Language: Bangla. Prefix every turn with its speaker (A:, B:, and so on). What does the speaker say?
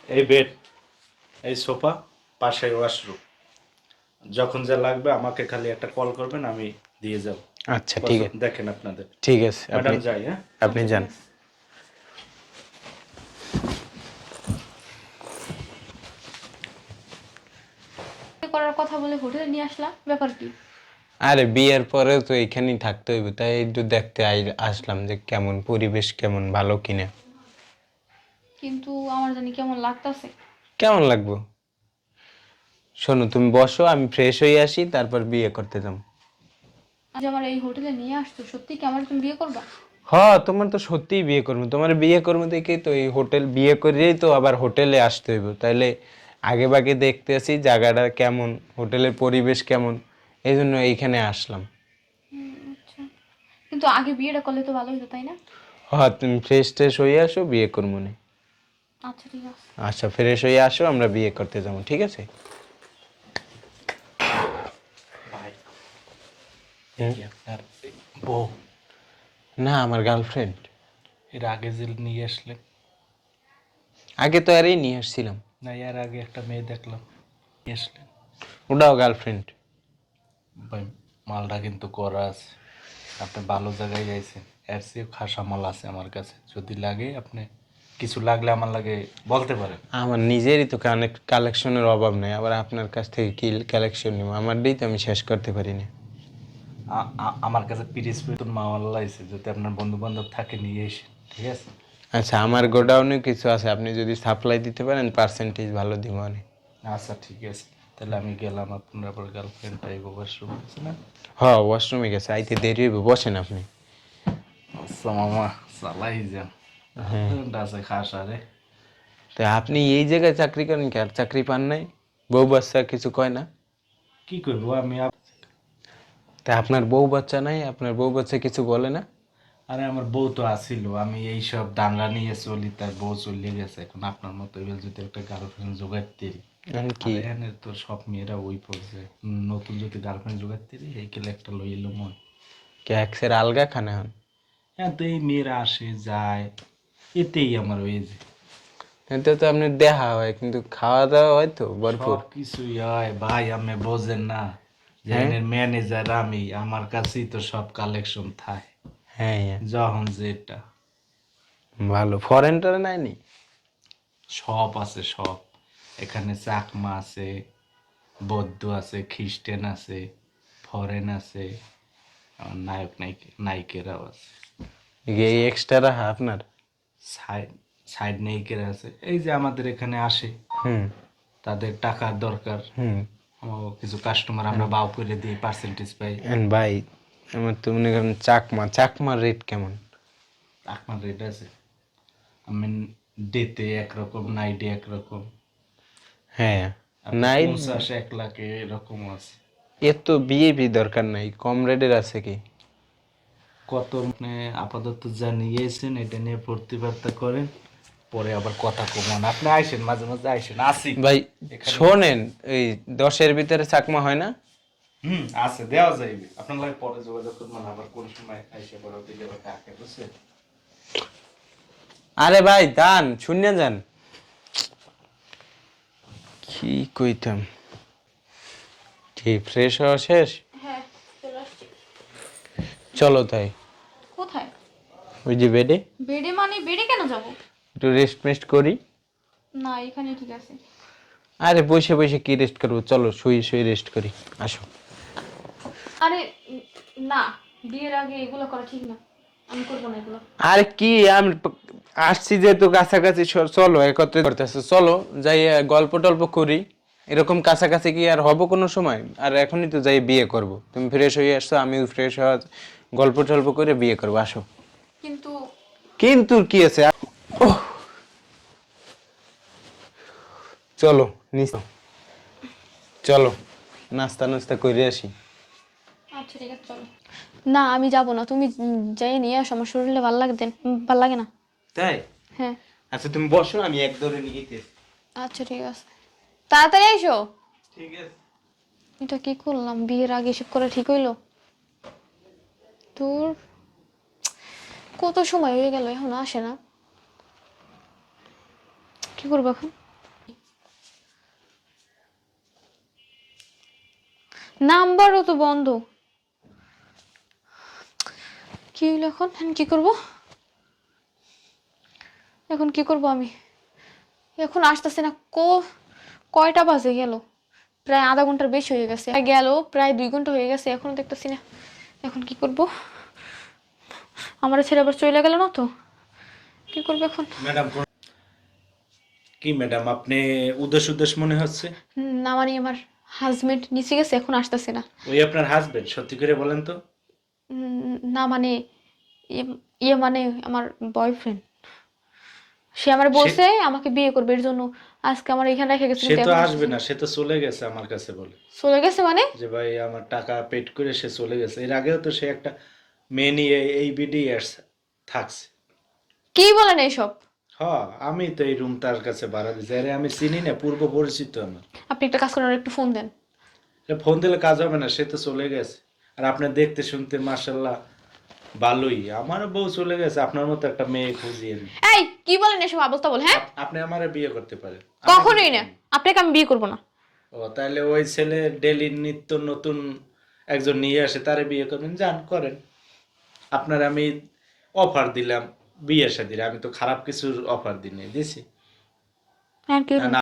A: এই বেড, এই সোফা, পাশে ওয়াশরুম। যখন যা লাগবে আমাকে খালি একটা কল করবেন, আমি দিয়ে যাব।
B: আচ্ছা ঠিক আছে,
A: দেখেন আপনাদের।
B: ঠিক আছে, আপনি
A: ম্যাডাম যাই, হ্যাঁ?
B: আপনি
C: আচ্ছা, ঠিক
B: যান।
C: আছে। করার কথা বলে হোটেলে নিয়ে আসলাম, ব্যাপার কি?
B: আরে বিয়ের পরে তো এখানেই থাকতে হইব, তাই একটু দেখতে আসলাম যে কেমন পরিবেশ, কেমন ভালো কিনা।
C: কিন্তু আমার জানি কেমন লাগতাছে।
B: কেমন লাগবো? শোনো, তুমি বসো, আমি ফ্রেশ হয়ে আসি, তারপর বিয়ে করতে যাবো।
C: আজ আমার এই হোটেলে নিয়ে আসতো, সত্যি কি আমার তুমি বিয়ে করবা?
B: তোমার তো সত্যিই বিয়ে করবো, তোমার বিয়ে করবো দেখেই তো এই হোটেল, বিয়ে করেই তো আবার হোটেলে আসতে হইব, তাইলে আগে ভাগে দেখতে আসি জায়গাটা কেমন, হোটেলের পরিবেশ কেমন, এই জন্য এইখানে আসলাম।
C: আচ্ছা, কিন্তু আগে বিয়েটা করলে তো ভালো হতো, তাই না?
B: তুমি ফ্রেশ ট্রেশ হয়ে আসো, বিয়ে করবো নি।
C: আচ্ছা, ঠিক আছে।
B: আচ্ছা, ফ্রেশ হয়ে আসো, আমরা বিয়ে করতে যাবো, ঠিক আছে?
A: ভাই, এই
B: হুম?
A: কি আপনার বউ?
B: না, আমার গার্লফ্রেন্ড।
A: এর আগে যে নিয়ে আসলেন?
B: আগে তো আরই নিয়ে আসছিলাম।
A: না, এর আগে একটা মেয়ে দেখলাম, নিয়ে আসলেন।
B: ওটাও গার্লফ্রেন্ড।
A: ভাই, মালটা কিন্তু করা আছে। আপনি ভালো জায়গায় যাইছেন। এর চেয়েও খাসা মাল আছে আমার কাছে, যদি লাগে আপনি, কিছু লাগলে আমার লাগে বলতে পারেন।
B: আমার নিজেরই তো কালেকশনের অভাব নেই, আবার আপনার কাছ থেকে কি কালেকশন নিব? আমারটাই তো আমি শেষ করতে পারি না।
A: আমার কাছে পিরিস নতুন মাল আছে, যদি আপনার বন্ধু বান্ধব থাকে নিয়ে এসে, ঠিক আছে?
B: আচ্ছা, আমার গোডাউনে কিছু আছে, আপনি যদি সাপ্লাই দিতে পারেন পার্সেন্টেজ ভালো দিব অনেক।
A: আচ্ছা, ঠিক আছে, তাহলে আমি গেলাম। আপনার আবার গার্লফ্রেন্ড টাইপ ওয়াশরুম আছে না?
B: ওয়াশরুমে গেছে, আইতে দেরি হইব, বসেন আপনি।
A: আচ্ছা মামা, চালাই যান। গার্লফ্রেন্ড আছে খাসা রে।
B: তা আপনি এই জায়গায় চাকরি করেন কি, আর চাকরি পান নাই? বউ বাচ্চা কিছু কয় না?
A: কি করবো আমি
B: তা আপনার বউ বাচ্চা নাই, আপনার বউ বাচ্চা কিছু বলে না?
A: আরে আমার বউ তো আসিল, আমি এইসব দাঙ্গা নিয়ে চলি, তার বউ চলে গেছে। এখন আপনার মতো এবার যদি একটা গার্লফ্রেন্ড জোগাড়তে পারি,
B: আমি
A: আর
B: কি
A: এখানে তো সব মেয়েরা ওই পর্যায়ে, নতুন যদি গার্লফ্রেন্ড জোগাড়তে পারি, এই কেলে একটা লই এলো মন।
B: ক্যাক্সের আলগা খানা হন?
A: হ্যাঁ, তো এই মেয়েরা আসে যায়, এতেই আমার ওই যে
B: এতে তো আপনি দেখা হয়, কিন্তু খাওয়া দাওয়া হয় তো ভরপুর।
A: সব কিছুই হয় ভাই, আমি বোঝেন না যে
B: হ্যাঁ,
A: এনের ম্যানেজার আমি, আমার কাছেই তো সব কালেকশন থাকে,
B: হ্যাঁ, হ্যাঁ।
A: যখন যেটা
B: ভালো, ফরেনটার নাইনি?
A: সব আছে সব। এখানে চাকমা আছে, বৌদ্ধ আছে, খ্রিস্টান আছে, ফরেন আছে, আর নায়কেরাও আছে।
B: এই এক্সট্রা আপনার?
A: সাইড সাইড নায়িকেরা আছে, এই যে আমাদের এখানে আসে,
B: হুম,
A: তাদের টাকার দরকার,
B: হুম।
A: ও কিছু কাস্টমার আমরা বাউ করে দিই, পার্সেন্টেজ পাই।
B: ভাই, আমার তো মনে করেন চাকমার রেট কেমন?
A: আপনার রেট আছে, আমি ডেতে একরকম, নাইটে একরকম,
B: হ্যাঁ,
A: আপনার
B: নাই।
A: 50-1 লাখে এরকম আছে।
B: এর তো বিএপি দরকার নাই, কম রেটের আছে কি?
A: কত মানে আপাতত যা নিয়েছেন এটা নিয়ে প্রতিবাদটা করেন, পরে আবার কথা কমান। আপনি আইসেন, মাঝে মাঝে আইসেন, আসি
B: ভাই
A: এখানে।
B: শোনেন, এই 10-এর ভিতরে চাকমা হয় না?
A: আছে, দেওয়া যাইবে। আপনার লাগে পরে যোগাযোগ করবেন, আবার কোন সময় আইসে পরে দিলে আবার কাকে, বুঝছেন?
B: আরে ভাই দান শূন্য যান, কি কইতাম। ঠিক ফ্রেশ হওয়া শেষ?
C: হ্যাঁ, চলে আসছি।
B: চলো তাই,
C: কোথায়?
B: ওই যে বেডে
C: বেডে মানে বেডে কেন যাব?
B: একটু রেস্ট মেস্ট করি।
C: না, এখানে ঠিক আছে।
B: আরে বসে বসে কি রেস্ট করবো, চলো শুয়ে শুয়ে রেস্ট করি, আসো।
C: আরে না, বিয়ের আগে এগুলো করা ঠিক না, আমি করবো না এগুলো।
B: আর কি, আমি আসছি যেহেতু কাছাকাছি, চলো একত্রে করতেছে, চলো যাই, গল্প টল্প করি। এরকম কাছাকাছি কি আর হব কোনো সময়? আর এখনই তো যাই বিয়ে করব, তুমি ফ্রেশ হয়ে আসছো, আমিও ফ্রেশ হওয়া, গল্প টল্প করে বিয়ে করবো, আসো।
C: কিন্তু
B: কিন্তু কি আছে, ওহ, চলো নিচে, চলো নাস্তা নাস্তা করে আসি।
C: আচ্ছা, ঠিক আছে, চলো। না, আমি যাব না, তুমি যাই নিয়ে আসো, আমার শরীরে ভাল লাগে না।
B: তাই?
C: হ্যাঁ।
B: আচ্ছা তুমি বসো, আমি এক দৌড়ে নিয়ে যেতেছি।
C: আচ্ছা, ঠিক আছে, তাড়াতাড়ি আইসো।
B: ঠিক আছে।
C: এটা কি করলাম, বিয়ের আগে এসব করে ঠিক হইলো? তোর কত সময় হয়ে গেল, এখন আসে না, কি করবো এখন? নাম্বারও তো বন্ধ। কি হইলো এখন? এখন কি করব? এখন কি করব আমি? এখন আসতেছে না। কয়টা বাজে গেল? প্রায় আধা ঘন্টার বেশি হয়ে গেছে। গেল প্রায় 2 ঘন্টা হয়ে গেছে, এখনো দেখতেছি না। এখন কি করব? আমার ছেলে আবার চলে গেল না তো, কি করবো এখন?
A: ম্যাডাম কি ম্যাডাম, আপনি উদাস উদাস মনে হচ্ছে?
C: না মানে আমার হাজবেন্ড নিচে গেছে, এখন আসতেছে না।
A: ওই আপনার হাজবেন্ড? সত্যি করে বলেন তো।
C: না মানে ইয়ে মানে আমার বয়ফ্রেন্ড। সে আমার বলছে আমাকে বিয়ে করবে, এর জন্য আজকে আমার এখানে রেখে গেছে,
A: সে
C: কিন্তু
A: তো
C: এখন
A: আসবে
C: আসতেছে
A: না,
C: না।
A: সে তো চলে গেছে আমার কাছে বলে
C: চলে গেছে মানে?
A: যে ভাই আমার টাকা পেড করে সে চলে গেছে। এর আগেও তো সে একটা মেয়ে নিয়ে এই বিডিএস থাকছে।
C: কি বলেন এইসব?
A: হ, আমি তো এই রুম তার কাছে ভাড়া দিছি। আরে আমি চিনি না, পূর্ব পরিচিত আমার।
C: আপনি একটা কাজ করেন, ওর একটু ফোন দেন।
A: ফোন দিলে কাজ হবে না, সে তো চলে গেছে। আর আপনি দেখতে শুনতে মাশাল্লাহ ভালোই, আমারও বউ চলে গেছে, আপনার মতো একটা মেয়ে খুঁজিয়ে নি।
C: এই কি বলেন এসব আবল তাবল? হ্যাঁ,
A: আপনি আমারে বিয়ে করতে পারেন।
C: কখনোই না। আপনাকে আমি বিয়ে করব না।
A: ও তাহলে ওই ছেলে ডেলি নিত্য নতুন একজন নিয়ে আসে, তারে বিয়ে করবেন, যান করেন। আপনার আমি অফার দিলাম বিয়ে শাদীর, আমি তো খারাপ কিছুর অফার দিছি।
C: হ্যাঁ কি হলো?